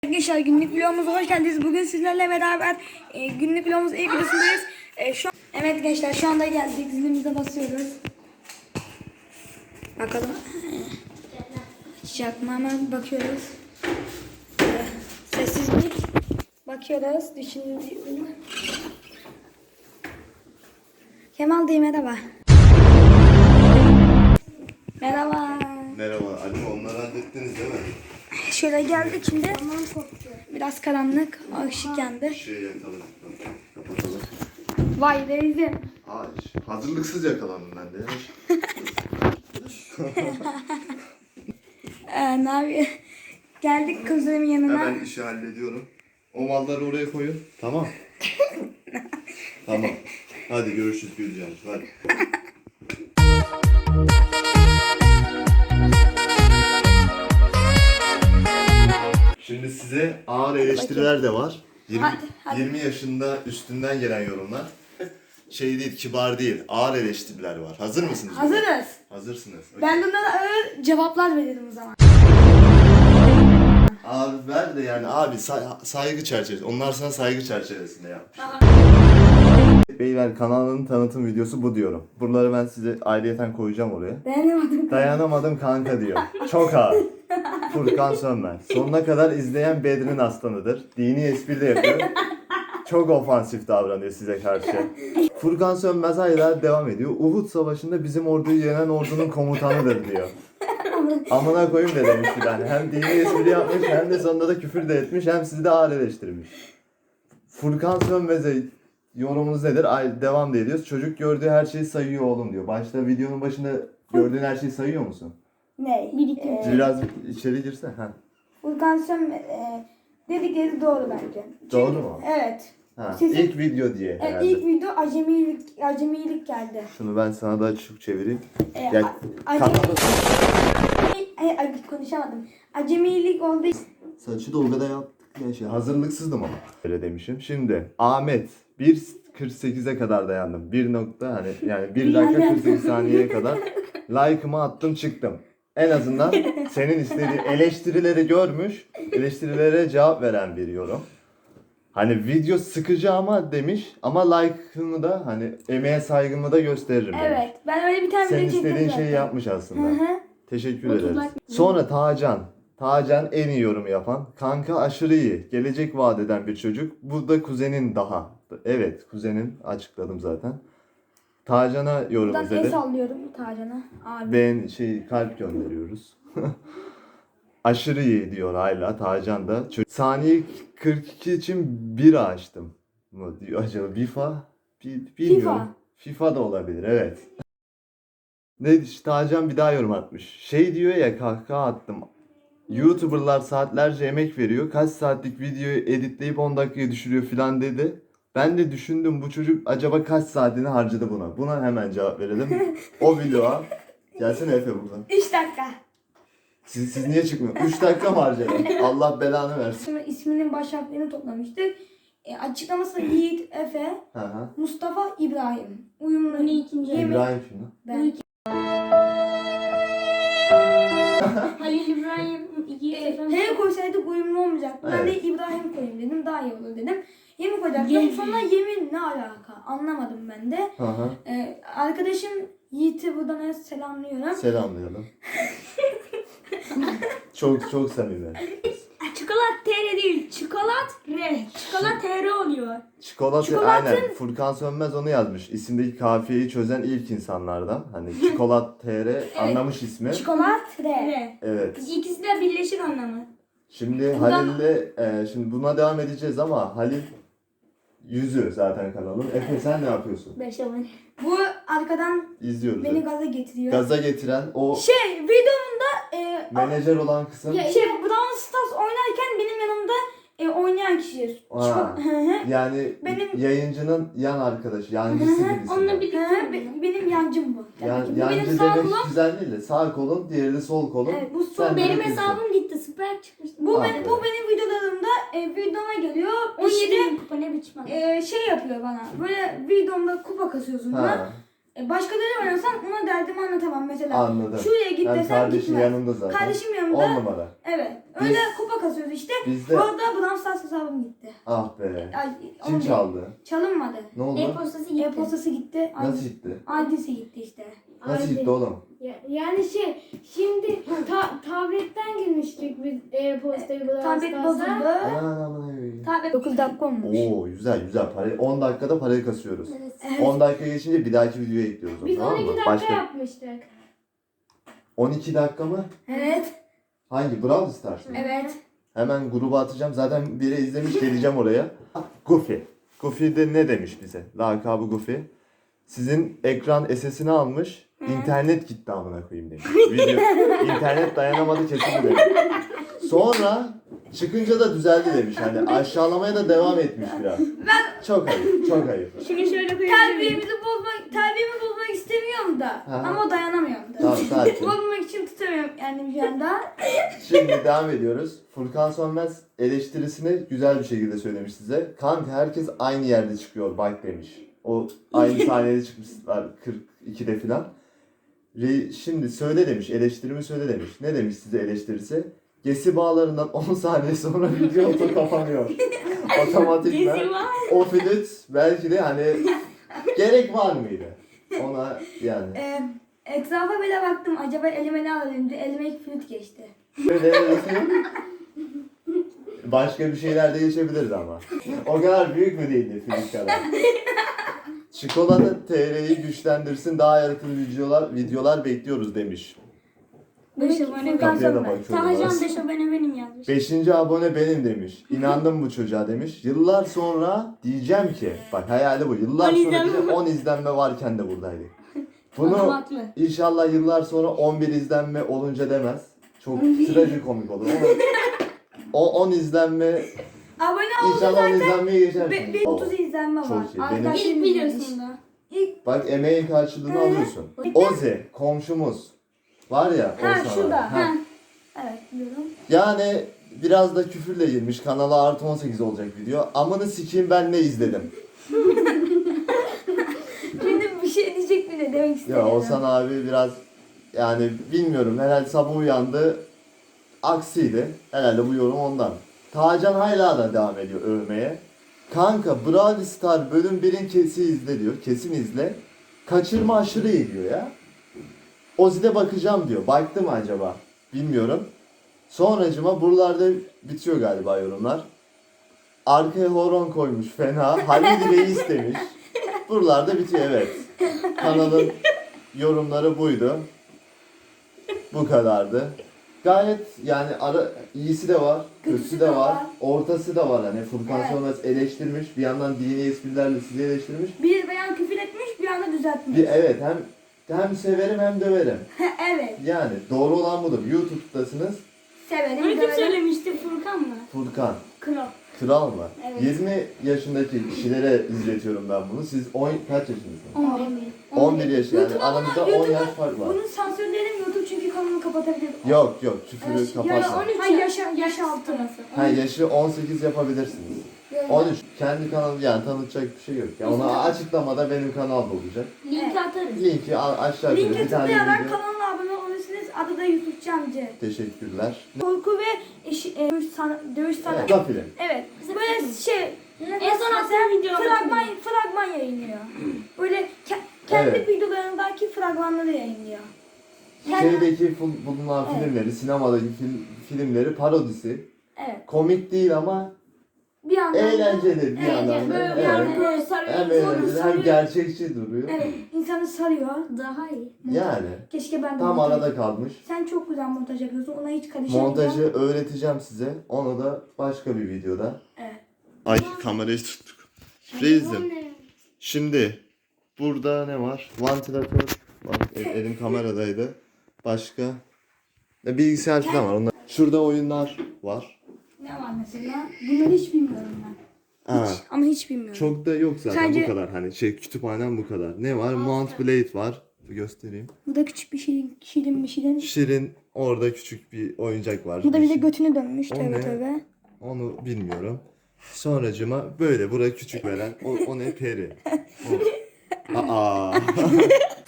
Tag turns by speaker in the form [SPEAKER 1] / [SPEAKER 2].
[SPEAKER 1] Arkadaşlar günlük vlogumuza hoş geldiniz. Bugün sizlerle beraber günlük vlogumuzun ilk videosundayız. Evet gençler şu anda geldik. Zilimize basıyoruz. Bakalım. Açacak mı? Hemen bakıyoruz. Sessizlik. Bakıyoruz. Düşünüyorum. Kemal Bey merhaba. Merhaba.
[SPEAKER 2] Merhaba. Ali onları hallettiniz değil mi?
[SPEAKER 1] Şöyle geldik şimdi. Biraz karanlık. Işık yandı.
[SPEAKER 2] Şey yakalım. Kapatalım.
[SPEAKER 1] Vay reisim.
[SPEAKER 2] Hazırlıksız yakalandım ben de.
[SPEAKER 1] Ne yapıyor? Geldik kızlarımın yanına.
[SPEAKER 2] Hemen işi hallediyorum. O malları oraya koyun. Tamam. Tamam. Hadi görüşürüz Gülcan. Hadi. Şimdi size ağır eleştiriler de var. 20 yaşında üstünden gelen yorumlar. Şey değil, kibar değil. Ağır eleştiriler var. Hazır mısınız?
[SPEAKER 1] Hazırız.
[SPEAKER 2] Hazırsınız. Okay.
[SPEAKER 1] Ben de onlara ağır cevaplar veririm o zaman.
[SPEAKER 2] Abi ver de yani abi saygı çerçevesi. Onlar sana saygı çerçevesinde yapmış. Beyler kanalının tanıtım videosu bu diyorum. Buraları ben size ayrıyeten koyacağım oraya. Dayanamadım kanka diyor. Çok ağır. Furkan Sönmez. Sonuna kadar izleyen Bedri'nin aslanıdır. Dini espri de yapıyor. Çok ofansif davranıyor size karşı. Furkan Sönmez hala devam ediyor. Uhud Savaşı'nda bizim orduyu yenen ordunun komutanıdır diyor. Amına koyayım da demiş bir tane. Hem dini espri yapmış hem de sonunda da küfür de etmiş hem sizi de ağır eleştirmiş. Furkan Sönmez'e yorumunuz nedir? Devam da ediyoruz. Çocuk gördüğü her şeyi sayıyor oğlum diyor. Videonun başında gördüğün her şeyi sayıyor musun?
[SPEAKER 1] Ne?
[SPEAKER 2] Biraz içeri girse.
[SPEAKER 1] Furkan Sönmez dedikleri doğru bence.
[SPEAKER 2] Doğru mu?
[SPEAKER 1] Evet.
[SPEAKER 2] Sizin, ilk video diye herhalde.
[SPEAKER 1] İlk video acemilik geldi.
[SPEAKER 2] Şunu ben sana da açıp çevireyim.
[SPEAKER 1] Konuşamadım. Acemilik oldu.
[SPEAKER 2] Saçı da o kadar yaptık ya hazırlıksızdım ama. Öyle demişim. Şimdi Ahmet 1.48'e kadar dayandım. 1 dakika 48 saniyeye kadar like'ımı attım çıktım. En azından senin istediğin eleştirileri görmüş, eleştirilere cevap veren bir yorum. Hani video sıkıcı ama demiş ama like'ımı da hani emeğe saygımı da gösteririm demiş.
[SPEAKER 1] Evet. Ben öyle bir tane
[SPEAKER 2] sen
[SPEAKER 1] video çektim
[SPEAKER 2] istediğin
[SPEAKER 1] zaten.
[SPEAKER 2] şeyi yapmış aslında.
[SPEAKER 1] Hı.
[SPEAKER 2] Teşekkür ederiz. Sonra Tacan en iyi yorum yapan. Kanka aşırı iyi. Gelecek vaat eden bir çocuk. Bu da kuzenin daha. Evet kuzenin açıkladım zaten. Tacan'a yorum
[SPEAKER 1] Ben el
[SPEAKER 2] izledim.
[SPEAKER 1] sallıyorum Tacan'a. Abi.
[SPEAKER 2] Ben kalp gönderiyoruz. Aşırı iyi diyor hala Tacan da. Saniye 42 için bira açtım mı diyor acaba bilmiyorum. FIFA da olabilir evet. Tacan bir daha yorum atmış. Diyor ya kahkaha attım. YouTuber'lar saatlerce emek veriyor. Kaç saatlik videoyu editleyip 10 dakikaya düşürüyor filan dedi. Ben de düşündüm bu çocuk acaba kaç saatini harcadı buna. Buna hemen cevap verelim. O vloga. Gelsene Efe buradan.
[SPEAKER 1] 3 dakika.
[SPEAKER 2] Siz niye çıkmıyorsunuz? 3 dakika mı harcadın? Allah belanı versin.
[SPEAKER 1] Şimdi isminin baş harflerini toplamıştık. Açıklaması Yiğit, Efe, Mustafa, İbrahim. Uyumlu.
[SPEAKER 2] İbrahim kim lan?
[SPEAKER 1] Ben.
[SPEAKER 3] Halil İbrahim
[SPEAKER 1] H koysaydık uyumlu olmayacaktı. Ben de
[SPEAKER 2] Evet.
[SPEAKER 1] İbrahim koyayım dedim. Daha iyi olur dedim. Yemi koyacaktım. Sonra yemin ne alaka? Anlamadım ben de. Arkadaşım Yiğit'i buradan selamlıyorum.
[SPEAKER 2] Selamlayalım. çok samimi.
[SPEAKER 3] Çikolat TR değil, çikolat R. Çikolat TR oluyor.
[SPEAKER 2] Aynen. Furkan Sönmez onu yazmış. İsimdeki kafiyeyi çözen ilk insanlardan. Hani Çikolat TR anlamış ismi.
[SPEAKER 1] Çikolat R.
[SPEAKER 3] R.
[SPEAKER 2] Evet.
[SPEAKER 3] İkisi de birleşik anlamı.
[SPEAKER 2] Şimdi Halil'le şimdi buna devam edeceğiz ama Halil yüzü zaten kanalın. Efe sen ne yapıyorsun?
[SPEAKER 3] 5 abone.
[SPEAKER 1] Bu arkadan
[SPEAKER 2] İzliyoruz.
[SPEAKER 1] beni gaza getiriyor.
[SPEAKER 2] Gaza getiren o
[SPEAKER 1] Videomda
[SPEAKER 2] menajer olan kısım.
[SPEAKER 1] Brawl Stars oynarken benim yanımda oynayan kişi.
[SPEAKER 2] Yani
[SPEAKER 1] Benim-
[SPEAKER 2] yayıncının yan arkadaşı, yancısı birisi.
[SPEAKER 3] Onunla birlikte.
[SPEAKER 1] Benim yancım bu.
[SPEAKER 2] Yancı
[SPEAKER 3] benim sağ
[SPEAKER 2] demek
[SPEAKER 3] kolum.
[SPEAKER 2] güzel değil de sağ kolun, diğeri de sol kolun.
[SPEAKER 1] Evet, bu
[SPEAKER 2] Sen
[SPEAKER 3] Benim
[SPEAKER 2] de
[SPEAKER 3] hesabım gitti. Süper çıkmıştı.
[SPEAKER 1] Bu
[SPEAKER 2] Aferin.
[SPEAKER 1] benim videolarımda videoma geliyor.
[SPEAKER 3] 17
[SPEAKER 1] İşte
[SPEAKER 3] bin kupa ne biçim.
[SPEAKER 1] şey yapıyor bana. Böyle videomda kupa kasıyorsun da. Başkaları oynasam ona derdimi anlatamam mesela.
[SPEAKER 2] Anladım.
[SPEAKER 1] Şuraya git
[SPEAKER 2] Hem
[SPEAKER 1] desem
[SPEAKER 2] kardeşin
[SPEAKER 1] gitmez.
[SPEAKER 2] yanında zaten.
[SPEAKER 1] Kardeşim yanında.
[SPEAKER 2] 10 numara.
[SPEAKER 1] Evet.
[SPEAKER 2] Biz-
[SPEAKER 1] Öyle kupa kasıyoruz işte.
[SPEAKER 2] Bizde
[SPEAKER 1] Orada Brawl Stars hesabım gitti.
[SPEAKER 2] ah be.
[SPEAKER 1] Ay,
[SPEAKER 2] Kim
[SPEAKER 1] onu
[SPEAKER 2] çaldı?
[SPEAKER 1] Çalınmadı.
[SPEAKER 2] Ne oldu?
[SPEAKER 3] E-postası gitti.
[SPEAKER 1] E-postası gitti.
[SPEAKER 2] Nasıl gitti?
[SPEAKER 1] ID'si gitti işte.
[SPEAKER 2] Nasıl gitti oğlum?
[SPEAKER 4] Yani şimdi tabletten girmiştik biz e-postayı
[SPEAKER 1] Tablet bozuldu.
[SPEAKER 2] Aman.
[SPEAKER 1] Tablet 9 dakika olmuş.
[SPEAKER 2] Oo güzel. Parayı 10 dakikada parayı kasıyoruz.
[SPEAKER 1] Evet.
[SPEAKER 2] 10 dakika geçince bir dahaki videoya ekliyoruz.
[SPEAKER 4] Biz
[SPEAKER 2] tamam
[SPEAKER 4] 12
[SPEAKER 2] mı?
[SPEAKER 4] dakika yapmıştık.
[SPEAKER 2] 12 dakika mı?
[SPEAKER 1] Evet.
[SPEAKER 2] Hangi? Brawl Stars mı?
[SPEAKER 1] Evet.
[SPEAKER 2] Hemen gruba atacağım. Zaten biri izlemiş, geleceğim oraya. Goofy. Goofy de ne demiş bize? Lakabı Goofy. Sizin ekran SS'ini almış. İnternet gitti amına koyayım demiş. İnternet dayanamadı kesildi demiş. Sonra çıkınca da düzeldi demiş. Hani aşağılamaya da devam etmiş biraz. Çok ayıp, çok ayıp.
[SPEAKER 3] Şunu şöyle koyabilirim.
[SPEAKER 1] Terbiyemi bozmak istemiyorum da.
[SPEAKER 2] Aha.
[SPEAKER 1] Ama dayanamıyorum da.
[SPEAKER 2] Tamam sakin.
[SPEAKER 1] Bozmak için tutamıyorum kendimi şu anda.
[SPEAKER 2] Şimdi devam ediyoruz. Furkan Sönmez eleştirisini güzel bir şekilde söylemiş size. Kanka herkes aynı yerde çıkıyor bak demiş. O aynı sahnede çıkmışlar 42'de filan. Şimdi söyle demiş, eleştirimi söyle demiş. Ne demiş size eleştirisi? Gesi bağlarından 10 saniye sonra video auto kapanıyor. Otomatikman.
[SPEAKER 3] Gezi var.
[SPEAKER 2] O flüt belki de hani gerek var mıydı? Ona yani.
[SPEAKER 1] Etrafa bile baktım. Acaba elime ne alayım diye. Elime ilk flüt geçti.
[SPEAKER 2] Böyle başka bir şeyler de geçebiliriz ama. O kadar büyük mü değildi flüt kadar? Çikolata TR'yi güçlendirsin, daha yaratıcı videolar bekliyoruz demiş.
[SPEAKER 3] 5 abone
[SPEAKER 1] Furkan
[SPEAKER 2] Kapıya da
[SPEAKER 1] Sönmez.
[SPEAKER 2] bakıyorum.
[SPEAKER 3] Tahacan 5 abone benim yazmış.
[SPEAKER 2] 5. abone benim demiş. İnandım bu çocuğa demiş. Yıllar sonra diyeceğim ki, bak hayali bu. Yıllar
[SPEAKER 3] 10
[SPEAKER 2] sonra
[SPEAKER 3] izlenme
[SPEAKER 2] diyeceğim 10 izlenme varken de buradaydık. Bunu
[SPEAKER 3] Haklı.
[SPEAKER 2] inşallah yıllar sonra 11 izlenme olunca demez. Çok trajikomik olur ama o 10 izlenme
[SPEAKER 1] Abone oldu
[SPEAKER 2] inşallah 10 izlenmeye
[SPEAKER 1] Ve
[SPEAKER 2] geçersiniz.
[SPEAKER 1] 30 izlenme var.
[SPEAKER 2] Çok iyi. Benim-
[SPEAKER 1] Arkadaşlarım
[SPEAKER 3] İlk
[SPEAKER 1] izlemiş.
[SPEAKER 3] videosunda.
[SPEAKER 1] İlk
[SPEAKER 2] Bak emeğin karşılığını alıyorsun. Ozi komşumuz var ya o
[SPEAKER 1] ha
[SPEAKER 2] sana.
[SPEAKER 1] şurada.
[SPEAKER 2] Ha.
[SPEAKER 1] Ha. Evet biliyorum.
[SPEAKER 2] Yani biraz da küfürle girmiş. Kanala artı 18 olacak video. Amanı sikeyim ben ne izledim.
[SPEAKER 1] Şimdi bir şey diyecek bile demek
[SPEAKER 2] Ya
[SPEAKER 1] istemiyorum.
[SPEAKER 2] Oğuzhan abi biraz yani bilmiyorum herhalde sabah uyandı. Aksiydi. Herhalde bu yorum ondan. Tacan hala da devam ediyor övmeye. Kanka Brawl Star bölüm 1'in kesin izle diyor. Kesin izle. Kaçırma aşırı iyi diyor ya. Ozi'de bakacağım diyor. Baktı mı acaba? Bilmiyorum. Sonracıma buralarda bitiyor galiba yorumlar. Arkaya horon koymuş fena. Halil bile istemiş. Buralarda bitiyor evet. Kanalın yorumları buydu. Bu kadardı. Gayet yani iyisi de var, kötüsü de var, ortası da var. Hani Furkan
[SPEAKER 1] Evet.
[SPEAKER 2] Sönmez eleştirmiş, bir yandan dini esprilerle sizi eleştirmiş.
[SPEAKER 1] Bir beyan küfür etmiş bir anda düzeltmiş.
[SPEAKER 2] Evet hem severim hem döverim.
[SPEAKER 1] Evet.
[SPEAKER 2] Yani doğru olan budur. YouTube'dasınız
[SPEAKER 1] Severim.
[SPEAKER 3] Bunu kim
[SPEAKER 1] döverim.
[SPEAKER 3] söylemişti? Furkan mı?
[SPEAKER 2] Furkan.
[SPEAKER 3] Kral.
[SPEAKER 2] Kral mı?
[SPEAKER 1] Evet.
[SPEAKER 2] 20 yaşındaki kişilere izletiyorum ben bunu. Siz kaç yaşındasınız?
[SPEAKER 3] 11.
[SPEAKER 2] 11 yaş yani
[SPEAKER 1] YouTube'a-
[SPEAKER 2] aramızda 10
[SPEAKER 1] YouTube'a-
[SPEAKER 2] yaş fark var.
[SPEAKER 1] Bunu sansürleyelim YouTube çünkü kanalını kapatabilir.
[SPEAKER 2] Yok küfürü
[SPEAKER 1] Ya
[SPEAKER 2] kapatma.
[SPEAKER 1] 13 yaş altı.
[SPEAKER 2] Ha yaşı 18 yapabilirsiniz. 13 kendi kanalı yani tanıtacak bir şey yok. Ya ona açıklamada benim kanal da olacak.
[SPEAKER 3] Linki atarız.
[SPEAKER 2] Linki aşağı yukarı
[SPEAKER 1] Linke
[SPEAKER 2] bir tane
[SPEAKER 1] tıklayarak
[SPEAKER 2] video.
[SPEAKER 1] kanalına abone olabilirsiniz. Adı da YouTube Camcı.
[SPEAKER 2] Teşekkürler.
[SPEAKER 1] Korku ve dövüş sanatı.
[SPEAKER 2] Evet, da film.
[SPEAKER 1] Evet. Böyle şey.
[SPEAKER 3] En son attığım video
[SPEAKER 1] fragman yayınlıyor. Böyle kendi
[SPEAKER 2] Evet.
[SPEAKER 1] videolarındaki fragmanları yayınlıyor. Kendi-
[SPEAKER 2] Şeydeki bulunan
[SPEAKER 1] Evet.
[SPEAKER 2] filmleri, sinemadaki filmleri parodisi.
[SPEAKER 1] Evet.
[SPEAKER 2] Komik değil ama
[SPEAKER 1] Bir yandan da-
[SPEAKER 2] eğlenceli bir
[SPEAKER 1] Evet,
[SPEAKER 2] yandan da.
[SPEAKER 3] Böyle
[SPEAKER 2] Evet.
[SPEAKER 3] yani
[SPEAKER 2] Hem
[SPEAKER 3] sarıyor.
[SPEAKER 2] eğlenceli hem gerçekçi duruyor.
[SPEAKER 1] Evet. insanı sarıyor.
[SPEAKER 3] Daha iyi.
[SPEAKER 2] Yani
[SPEAKER 1] Keşke ben de
[SPEAKER 2] tam
[SPEAKER 1] montaj-
[SPEAKER 2] arada kalmış.
[SPEAKER 1] Sen çok güzel montaj yapıyorsun. Ona hiç karışamıyorum.
[SPEAKER 2] Montajı öğreteceğim size. Onu da başka bir videoda.
[SPEAKER 1] Evet.
[SPEAKER 2] Ay kamerayı tuttuk. Reis'im. Şimdi burada ne var? Vantilatör var. Elim kameradaydı. Başka? Bilgisayar falan var. Onlar. Şurada oyunlar var.
[SPEAKER 1] Ne var mesela? Bunları hiç bilmiyorum ben.
[SPEAKER 2] Ha.
[SPEAKER 1] Ama hiç bilmiyorum.
[SPEAKER 2] Çok da yok zaten
[SPEAKER 1] Sadece-
[SPEAKER 2] bu kadar. Hani kütüphanem bu kadar. Ne var? Mount Blade var. Göstereyim.
[SPEAKER 1] Burada küçük bir şirin.
[SPEAKER 2] Şirin orada küçük bir oyuncak var.
[SPEAKER 1] Bu da bize götünü dönmüş.
[SPEAKER 2] O
[SPEAKER 1] Tövbe
[SPEAKER 2] ne?
[SPEAKER 1] tövbe.
[SPEAKER 2] Onu bilmiyorum. Sonracıma böyle bura küçük veren. O ne peri. O. Aa.